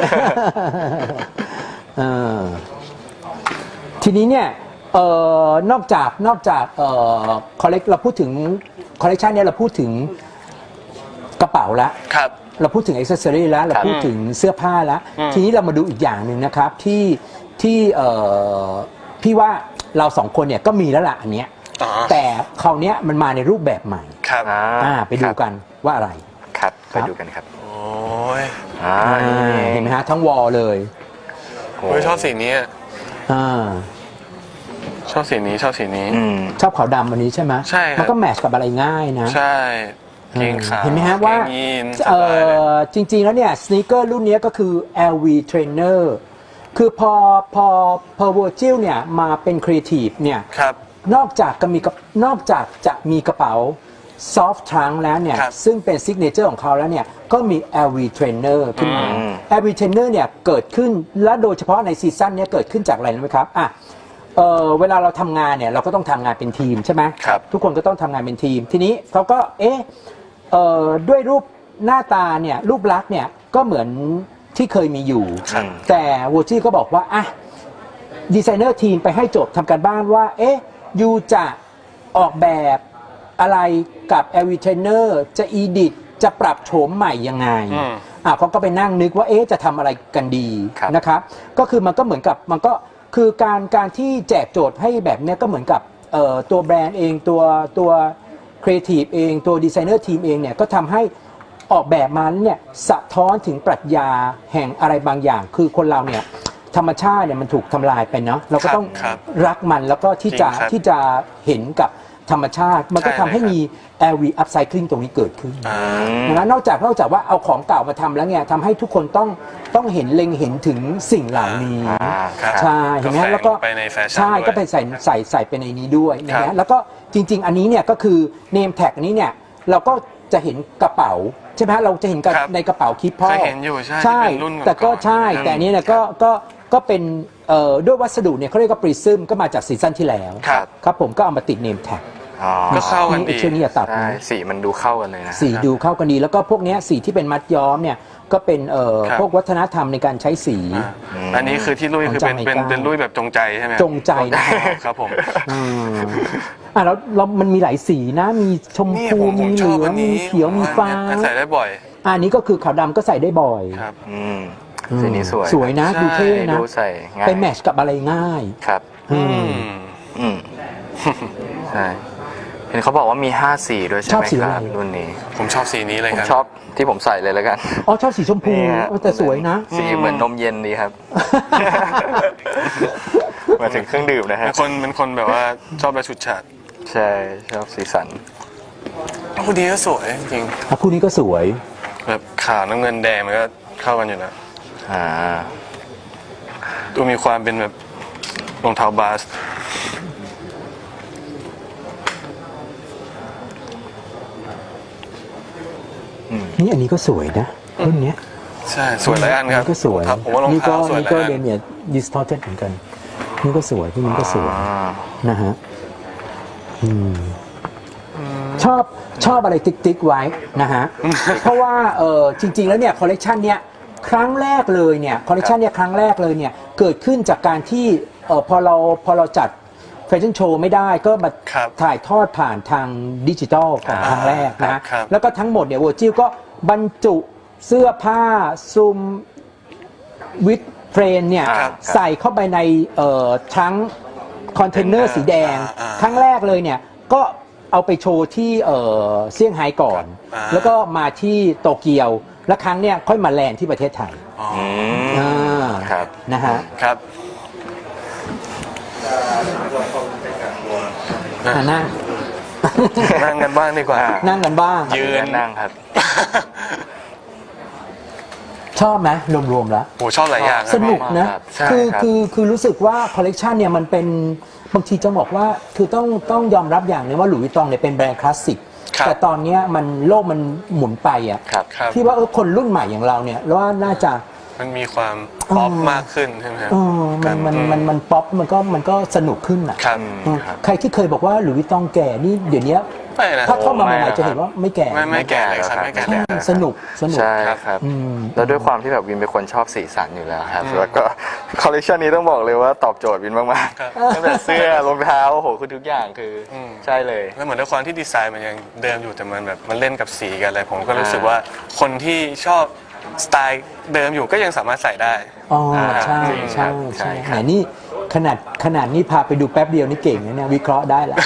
Speaker 2: เออทีนี้เนี่ยเอ่อนอกจากนอกจากเอ่อคอลเลกเราพูดถึงคอลเลกชันเนี่ยเราพูดถึงกระเป๋าละ
Speaker 3: ครับ
Speaker 2: เราพูดถึงอิ c เซอรี่แล้วเราพูดถึงเสื้อผ้าแล้ว
Speaker 3: อืม
Speaker 2: ทีนี้เรามาดูอีกอย่างหนึ่งนะครับที่ที่เอ่อพี่ว่าเราสองคนเนี่ยก็มีแล้วล่ะอันเนี้ย
Speaker 3: อ๋อ
Speaker 2: แต่คราวเนี้ยมันมาในรูปแบบใหม่
Speaker 3: ครับ
Speaker 1: อ่า
Speaker 2: อ่าไปดูกันว่าอะไร
Speaker 1: ครับ
Speaker 2: ครั
Speaker 1: ไป
Speaker 2: บ
Speaker 1: ดูกันครับ
Speaker 3: โอ้ย
Speaker 1: อ่า
Speaker 2: อ่า
Speaker 1: นี่
Speaker 2: เห็นไหมฮะทั้งวอลเลย
Speaker 1: โอ้
Speaker 3: เฮ้ยชอบสีนี้อะ
Speaker 2: อ่า
Speaker 3: ชอบสีนี้ชอบสีนี้
Speaker 1: อืม
Speaker 2: ชอบขาวดำวันนี้ใช่ไหม
Speaker 3: ใช่ครับ
Speaker 2: มันก็แมทช์กับอะไรง่ายนะ
Speaker 3: ใช่เกงขาว
Speaker 2: เห็นไหมฮะว่า
Speaker 3: เกงยีนส
Speaker 2: เอ่
Speaker 3: บายเลย
Speaker 2: อจริง ๆ แล้วเนี่ยสน e เกอร์รุ่นเนี้ยก็คือ แอล วี Trainer คือพอพอพอ Virgil เนี่ยมาเป็นครีเอทีฟเนี่ย
Speaker 3: ครับ
Speaker 2: นอกจากจะมีกับนอกจากจะมีกระเป๋า soft trunk แล้วเนี่ย
Speaker 3: ครับ
Speaker 2: ซึ่งเป็นซิกเนเจอร์ของเขาแล้วเนี่ยก็มี แอล วี Trainer ขึ้นมา แอล วี Trainer เนี่ยเกิดขึ้นและโดยเฉพาะในซีซั่นเนี้ยเกิดขึ้นจากอะไรรู้ไหมครับอ่ะเอ่อเวลาเราทำงานเนี่ยเราก็ต้องทำงานเป็นทีมใช่ไหม
Speaker 1: ครับ
Speaker 2: ทุกคนก็ต้องทำงานเป็นทีม ทีนี้เขาก็เอ๊ะเอ่อด้วยรูปหน้าตาเนี่ยรูปลักษณ์เนี่ยก็เหมือนที่เคยมีอยู่
Speaker 3: ครับ
Speaker 2: แต่วูจี้ก็บอกว่าอ่ะดีไซเนอร์ทีมไปให้โจทย์ทำการบ้านว่าเอ๊ะยูจะออกแบบอะไรกับ แอล วี Trainer จะอีดิทจะปรับโฉมใหม่ยังไง
Speaker 3: อืม
Speaker 2: อ่ะเขาก็ไปนั่งนึกว่าเอ๊ะจะทำอะไรกันดี
Speaker 1: ครับ
Speaker 2: นะครับก็คือมันก็เหมือนกับมันก็คือการการที่แจกโจทย์ให้แบบเนี้ยก็เหมือนกับเอ่อตัวแบรนด์เองตัวตัวครีเอทีฟเองตัวดีไซเนอร์ทีมเองเนี่ยก็ทำให้ออกแบบมาเนี่ยสะท้อนถึงปรัชญาแห่งอะไรบางอย่าง คือคนเราเนี่ยธรรมชาติเนี่ยมันถูกทำลายไปเนาะเราก็ต้อง
Speaker 3: ครับ
Speaker 2: รักมันแล้วก็ที่จะ
Speaker 3: จริงครับ
Speaker 2: ที่จะเห็นกับธรรมชาติ มันก็
Speaker 3: ใช่
Speaker 2: ทำให้
Speaker 3: เลยครับ
Speaker 2: มี แอล วี Upcycling ตรงนี้เกิดขึ้น
Speaker 3: อ่า
Speaker 2: นะนอกจากนอกจากว่าเอาของเก่ามาทำแล้วเนี่ยทำให้ทุกคนต้องต้องเห็นเล็งเห็นถึงสิ่งเหล่านี้
Speaker 1: อ่าครับ
Speaker 2: ใช่เห็นไหม
Speaker 3: ก็แฝง
Speaker 2: แล้วก็
Speaker 3: ไปในแฟชั่น
Speaker 2: ใช่
Speaker 3: ด้วย
Speaker 2: ก็ไปใส่ใส่ใส่ไปในนี้ด้วยนะ
Speaker 3: ครั
Speaker 2: ฮะ
Speaker 3: บ
Speaker 2: แล้วก็จริง ๆ อันนี้เนี่ยก็คือ name tag นี้เนี่ยเราก็จะเห็นกระเป๋าใช่ไหมฮะเราจะเห็นกับ
Speaker 3: ครับ
Speaker 2: ในกระเป๋าคิดพ่อ
Speaker 3: เคยเห็นอยู่ใช่
Speaker 2: ใช่
Speaker 3: ที่เป็นรุ่นก่อนๆ
Speaker 2: แต่ก็ใช่
Speaker 3: นะครับ
Speaker 2: แต่อันนี้เนี่ยก็ก็ก็เป็นเอ่อด้วยวัสดุเนี่ยเขาเรียกว่าปริซึมก็มาจากซีซั่นที่แล้ว
Speaker 3: ครับ
Speaker 2: ครับผมก็เอามาติด name tag
Speaker 1: อ๋อ
Speaker 3: ก็เข้ากันดี
Speaker 2: ช่วงนี้อย่าตัด
Speaker 1: ใช่
Speaker 2: นะ
Speaker 1: สีมันดูเข้ากันเลยนะ
Speaker 2: สีดูเข้ากันดี แล้วก็พวกเนี้ยสีที่เป็นมัดย้อมเนี่ยก็เป็นเอ่อ
Speaker 3: ครับ
Speaker 2: พวกวัฒนธรรมในการใช้สี
Speaker 3: อ่าอันนี้คือที่ลุยคือเป็นเป็นเป็นลุยแบบจงใจใช่ไหม
Speaker 2: จงใจนะ
Speaker 3: อ๋อครับผม
Speaker 2: อืมอ่ะแล้วแล้วมันมีหลายสีนะ มีชม
Speaker 3: นี่
Speaker 2: พู
Speaker 3: ผมผ
Speaker 2: มี
Speaker 3: ม
Speaker 2: เห
Speaker 3: ช
Speaker 2: ลื
Speaker 3: อบ
Speaker 2: อ
Speaker 3: อั
Speaker 2: ง
Speaker 3: น
Speaker 2: มี
Speaker 3: นี้
Speaker 2: เขียวมีฟ้า
Speaker 3: อันนี้ใส่ได้บ่อย
Speaker 2: อันนี้ก็คือขาวดำก็ใส่ได้บ่อย
Speaker 3: ครับ
Speaker 1: อืม
Speaker 2: อืม
Speaker 1: สีนี้สวย
Speaker 2: สวยนะ
Speaker 3: ใช่
Speaker 2: ดูเท่นะ
Speaker 1: ดูใส่ง่าย
Speaker 2: ไปแมทช์กับอะไรง่าย
Speaker 1: ครับ
Speaker 2: อื
Speaker 3: อื
Speaker 2: ม
Speaker 3: ม
Speaker 1: อืม ใช่ เห็นเขาบอกว่ามีห้าสีด้วยใช่
Speaker 2: ชอ
Speaker 1: ไห
Speaker 2: บ
Speaker 1: ม
Speaker 2: สี
Speaker 1: ค
Speaker 2: อะไร
Speaker 1: รับรุ่นนี้
Speaker 3: ผมชอบสีนี้เลย
Speaker 1: ผม
Speaker 3: ครับ
Speaker 1: ชอบที่ผมใส่เลยแล้วกัน
Speaker 2: อ๋อชอบสีชมพู
Speaker 1: นี่ฮะ
Speaker 2: เออแต่สวยนะ
Speaker 1: สีเหมือนนมเย็นดีครับ มาถึงเครื่องดื่มนะฮะ
Speaker 3: เป็นคนเป็นคนแบบว่าชอบแบบฉุดฉาด
Speaker 1: ใช่ชอบสีสัน
Speaker 3: พอดีก็สวยจริง
Speaker 2: อ่ะคู่นี้ก็สวย
Speaker 3: แบบขาวน้ำเงินแดงมันก็เข้ากันอยู่นะ
Speaker 1: อ่า
Speaker 3: ดูมีความเป็นแบบรองเท้าบาส
Speaker 2: นี่อันนี้ก็สวยนะรุ่นเนี้ย
Speaker 3: ใช่สวยหลายอันครับ
Speaker 2: ก็สวย
Speaker 3: ครับผมว่ารอง
Speaker 2: นี่ก็
Speaker 3: เท้าสวย
Speaker 2: นี่
Speaker 3: หลา
Speaker 2: ก็
Speaker 3: ยอัน
Speaker 2: เดเมียดิสทอร์เทเหมือนกัน นี่ก็สวยพวกนี้ก็สวย
Speaker 1: อ่า
Speaker 2: นะฮะอืมชอบชอบอะไรติ๊กติ๊กๆไว้นะฮะ เพราะว่าเออจริง ๆ แล้วเนี่ยคอลเลกชันเนี้ยครั้งแรกเลยเนี่ยคอลเลกชันเนี่ยครั้งแรกเลยเนี่ยเกิดขึ้นจากการที่เออพอเราพอเราจัดแฟชั่นโชว์ไม่ได้ก็มา
Speaker 3: ครับ
Speaker 2: ถ่ายทอดผ่านทางดิจิตอลของครั้งแรกนะฮะ
Speaker 3: ครับ
Speaker 2: แล้วก็ทั้งหมดเนี่ยโวจิลก็บรรจุเสื้อผ้าซุมวิดเฟรนเนี่ย
Speaker 3: ครับ
Speaker 2: ใส่เข้าไปในเอ่อทั้งคอนเทนเนอร์สีแดง
Speaker 3: อ่าอ่า
Speaker 2: ครั้งแรกเลยเนี่ยก็เอาไปโชว์ที่เอ่อเซี่ยงไฮ้ก่อน
Speaker 3: อ่า
Speaker 2: แล้วก็มาที่โตเกียว แล้วครั้งเนี่ยค่อยมาแลนด์ที่ประเทศไทย
Speaker 3: อ๋อ
Speaker 1: อืม
Speaker 2: อ่า
Speaker 1: ครับ
Speaker 2: นะฮะ
Speaker 3: ครับ
Speaker 2: อ่านั่ง
Speaker 3: นั่งกันบ้างดีกว่า
Speaker 2: นั่งกันบ้าง
Speaker 3: ยืน
Speaker 1: นั่งครับ
Speaker 2: ชอบไหมรวมๆแล้ว
Speaker 3: โอ้ชอบหลายอย่างค
Speaker 2: ส
Speaker 3: รับ
Speaker 2: นุกนะ
Speaker 1: ครับใช่
Speaker 2: คือ
Speaker 1: ครับ
Speaker 2: คือคือรู้สึกว่าคอลเลกชันเนี่ยมันเป็นบางทีจะบอกว่าคือต้องต้องยอมรับอย่างหนึงว่าหลุยส์วิตตองเนี่ยเป็นแบรนด์คลาสสิก
Speaker 3: ครับ
Speaker 2: แต่ตอนเนี้ยมันโลกมันหมุนไปอ่ะ
Speaker 1: ครับ
Speaker 3: ครับ
Speaker 2: พี่ว่าเออคนรุ่นใหม่อย่างเราเนี่ยแล้วว่าน่าจะ
Speaker 3: มันมีความป๊อป
Speaker 2: อืม
Speaker 3: มากขึ้นใช่ไหมครับ
Speaker 2: เออมันมันมันมันป๊อปมันก็มันก็สนุกขึ้นอ่ะ
Speaker 3: ครับ
Speaker 2: เออใครที่เคยบอกว่าหลุยส์วิตตองแก่นี่เดี๋ยวนี้
Speaker 3: ไม่นะ
Speaker 2: ถ้าเข้ามาให
Speaker 1: ไม่
Speaker 2: ม่
Speaker 1: นะ
Speaker 2: ๆจะเห็นว่าไม่แก่
Speaker 3: ไม่ไม่แก่เลยครับไม่แก่เลยครับ
Speaker 2: สนุกสนุก
Speaker 1: ใช่ครับ
Speaker 2: อืม
Speaker 1: แล้วด้วยความที่แบบวินเป็นคนชอบสีสันอยู่แล้วครับ แล้วก็คอลเลคชันนี้ต้องบอกเลยว่าตอบโจทย์วินมาก
Speaker 3: ครับ
Speaker 1: ๆตั้งแต่เสื้อรองเท้าโอ้โหคือทุกอย่างคืออ
Speaker 3: ม
Speaker 1: ใช่เลย
Speaker 3: แล้วเหมือนด้วยความที่ดีไซน์มันยังเดิมอยู่แต่มันแบบมันเล่นกับสีกันอะไรผมก็รู้สึก
Speaker 1: อ่า
Speaker 3: ว่าคนที่ชอบสไตล์เดิมอยู่ก็ยังสามารถใส่ได้
Speaker 2: อ๋อใช่
Speaker 1: จริงครั
Speaker 2: ใช่
Speaker 1: บใช่
Speaker 2: ใช่
Speaker 1: ครับ
Speaker 2: ไหนนี่ขนาดขนาดนี้พาไปดูแป๊บเดียวนี่เก่งนะเนี่ยวิเคราะห์ได้แล้ว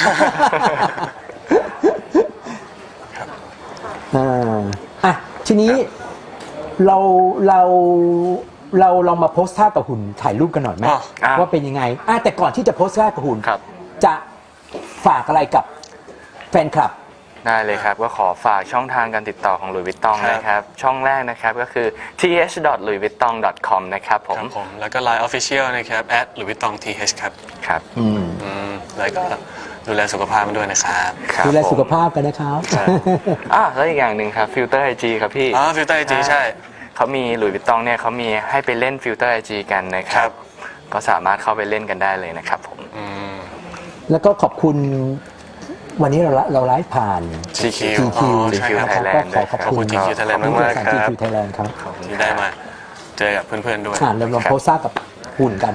Speaker 2: อ่าอ่ะทีนี้เราเราเราลองมาโพสท่ากับหุ่นถ่ายรูปกันหน่อยไหม
Speaker 3: อ๋อ
Speaker 1: อ่ะ
Speaker 2: ว่าเป็นยังไงอ่ะแต่ก่อนที่จะโพสท่ากับหุ่น
Speaker 1: ครับ
Speaker 2: จะฝากอะไรกับแฟนคลับ
Speaker 1: ได้เลยครับ ก็ขอฝากช่องทางการติดต่อของ Louis Vuitton
Speaker 3: ครับ
Speaker 1: นะครับ ช่องแรกนะครับก็คือ ที เอช ดอท ลุยส์วิตตอง ดอท คอม นะครับผ
Speaker 3: ค
Speaker 1: ม
Speaker 3: รับผมแล้วก็ Line Official นะครับ at louis vuitton th ครับ
Speaker 1: ครับ
Speaker 2: อืม
Speaker 3: อืมแล้วก็ดูแลสุขภาพมันด้วยนะครับ
Speaker 1: ครับ
Speaker 2: ดูแลสุข
Speaker 1: ผม
Speaker 2: ภาพกันนะครับ
Speaker 1: อ่ะแล้วอีกอย่างหนึ่งครับฟิลเตอร์ไอจีครับพี่
Speaker 3: อ๋อฟิลเตอร์ไอจีใช่
Speaker 1: เขามีหลุยส์วิตตองเนี่ยเขามีให้ไปเล่นฟิลเตอร์ไอจีกันนะค
Speaker 3: ครั
Speaker 1: รับ
Speaker 3: บ
Speaker 1: ก็สามารถเข้าไปเล่นกันได้เลยนะครับผม
Speaker 3: อืม
Speaker 2: แล้วก็ขอบคุณวันนี้เราละเราไลฟ์ผ่าน
Speaker 3: จี คิว
Speaker 2: จี คิว
Speaker 3: อ๋อใช่ครับ
Speaker 2: นะครับ
Speaker 1: Thailand
Speaker 2: ก็ขอขอบ
Speaker 3: ขอบ
Speaker 2: คุ
Speaker 3: คุณ ณ จี คิว Thailand
Speaker 2: ขอบคุณ
Speaker 3: มากๆ
Speaker 2: สาร
Speaker 3: ค
Speaker 2: จี
Speaker 3: รับ
Speaker 2: คิวไทยแลนด์ครับ
Speaker 3: ที่ได้มาเจอกับเพื่อนๆด้วย
Speaker 2: อ่านเราลองโพสต์ซ่ากับหุ่นกัน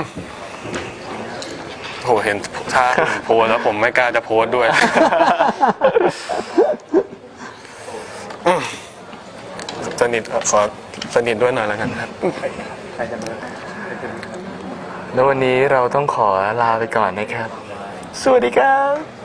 Speaker 3: โหเห็นถ้าผมโพสต์แล้วผมไม่กล้าจะโพสต์ด้วย อืมสนิทขอสนิทด้วยหน่อยแล้วกันครับ
Speaker 1: แล้ววันนี้เราต้องขอลาไปก่อนนะครับ สวัสดีครับ